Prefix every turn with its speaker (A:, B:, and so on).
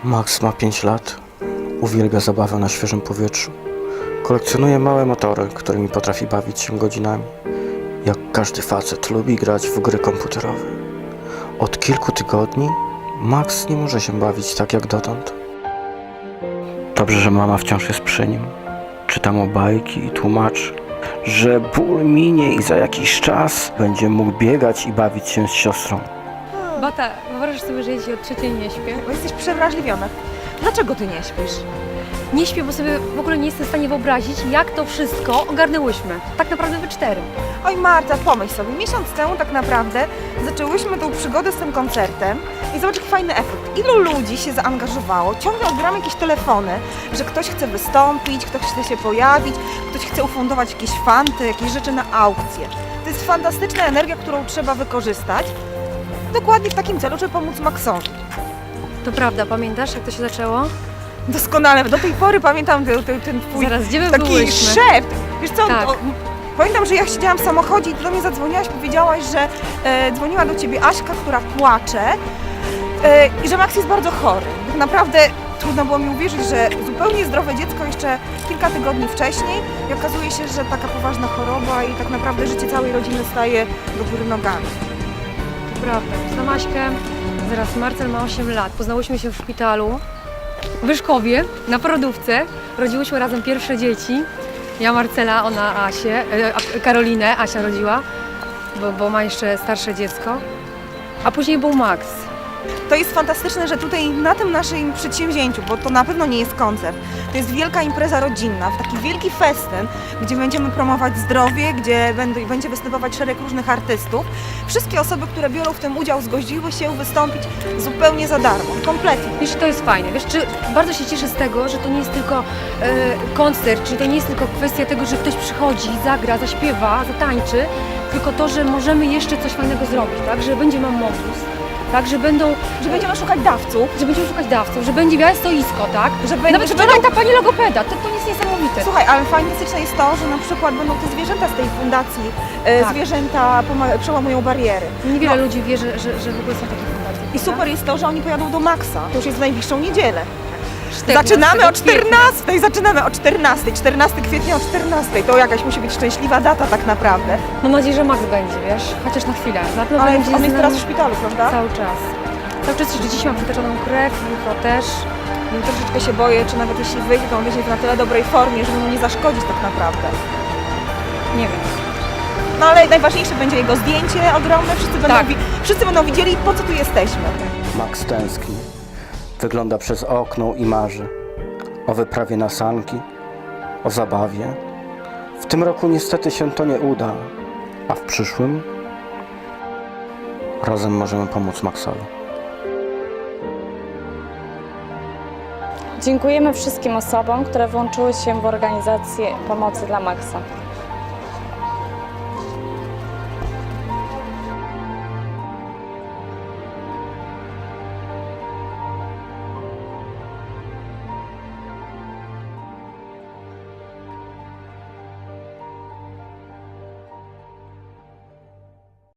A: Max ma 5 lat. Uwielbia zabawę na świeżym powietrzu. Kolekcjonuje małe motory, którymi potrafi bawić się godzinami. Jak każdy facet lubi grać w gry komputerowe. Od kilku tygodni Max nie może się bawić tak jak dotąd. Dobrze, że mama wciąż jest przy nim. Czyta mu bajki i tłumaczy, że ból minie i za jakiś czas będzie mógł biegać i bawić się z siostrą.
B: Bata, wyobrażasz sobie, że ja dzisiaj od 3 nie śpię?
C: Bo jesteś przewrażliwiona. Dlaczego ty nie śpisz?
B: Nie śpię, bo sobie w ogóle nie jestem w stanie wyobrazić, jak to wszystko ogarnęłyśmy. Tak naprawdę we 4.
C: Oj Marta, pomyśl sobie, miesiąc temu tak naprawdę zaczęłyśmy tą przygodę z tym koncertem i zobacz jaki fajny efekt. Ilu ludzi się zaangażowało, ciągle odbieramy jakieś telefony, że ktoś chce wystąpić, ktoś chce się pojawić, ktoś chce ufundować jakieś fanty, jakieś rzeczy na aukcję. To jest fantastyczna energia, którą trzeba wykorzystać dokładnie w takim celu, żeby pomóc Maxowi.
B: To prawda, pamiętasz, jak to się zaczęło?
C: Doskonale, do tej pory pamiętam ten twój
B: Zaraz, gdzie my
C: taki
B: byłyśmy?
C: szept. Wiesz co,
B: Tak.
C: pamiętam, że ja siedziałam w samochodzie i ty do mnie zadzwoniłaś, powiedziałaś, że dzwoniła do ciebie Aśka, która płacze i że Max jest bardzo chory. Tak naprawdę trudno było mi uwierzyć, że zupełnie zdrowe dziecko jeszcze kilka tygodni wcześniej i okazuje się, że taka poważna choroba i tak naprawdę życie całej rodziny staje do góry nogami.
B: To prawda. Znam Aśkę, zaraz Marcel ma 8 lat. Poznałyśmy się w szpitalu w Wyszkowie, na porodówce. Rodziłyśmy razem pierwsze dzieci. Ja Marcela, ona Asię, Karolinę, Asia rodziła, bo ma jeszcze starsze dziecko. A później był Max.
C: To jest fantastyczne, że tutaj na tym naszym przedsięwzięciu, bo to na pewno nie jest koncert, to jest wielka impreza rodzinna, taki wielki festyn, gdzie będziemy promować zdrowie, gdzie będzie występować szereg różnych artystów. Wszystkie osoby, które biorą w tym udział, zgodziły się wystąpić zupełnie za darmo, kompletnie.
B: Wiesz, to jest fajne. Wiesz, bardzo się cieszę z tego, że to nie jest tylko koncert, czyli to nie jest tylko kwestia tego, że ktoś przychodzi, zagra, zaśpiewa, zatańczy, tylko to, że możemy jeszcze coś fajnego zrobić, tak? Że będzie Mammobus, tak? Że
C: Będziemy szukać dawców.
B: będziemy szukać dawców, że będzie białe stoisko, tak?
C: Że
B: Nawet wczoraj ta pani logopeda, to jest niesamowite.
C: Słuchaj, ale fantastyczne jest to, że na przykład będą te zwierzęta z tej fundacji,
B: Tak.
C: zwierzęta przełamują bariery.
B: Niewiele ludzi wie, że w ogóle są takie fundacje.
C: I super jest to, że oni pojadą do Maxa, to już jest w najbliższą niedzielę.
B: 14
C: Zaczynamy o
B: kwietnia.
C: 14 kwietnia o 14. To jakaś musi być szczęśliwa data tak naprawdę.
B: Mam nadzieję, że Max będzie, wiesz? Chociaż na chwilę. Na pewno
C: Ale
B: będzie
C: on
B: z
C: jest teraz
B: nami
C: w szpitalu, prawda?
B: cały czas. Cały czas, że dziś mam przytoczoną krew, jutro też.
C: Troszeczkę się boję, czy nawet jeśli wyjdzie, to on będzie w na tyle dobrej formie, żeby mu nie zaszkodzić tak naprawdę.
B: Nie wiem.
C: No ale najważniejsze będzie jego zdjęcie ogromne,
B: Tak.
C: wszyscy będą widzieli, po co tu jesteśmy.
A: Max tęskni. Wygląda przez okno i marzy. O wyprawie na sanki, o zabawie. W tym roku niestety się to nie uda, a w przyszłym razem możemy pomóc Maxowi.
D: Dziękujemy wszystkim osobom, które włączyły się w organizację pomocy dla Maxa.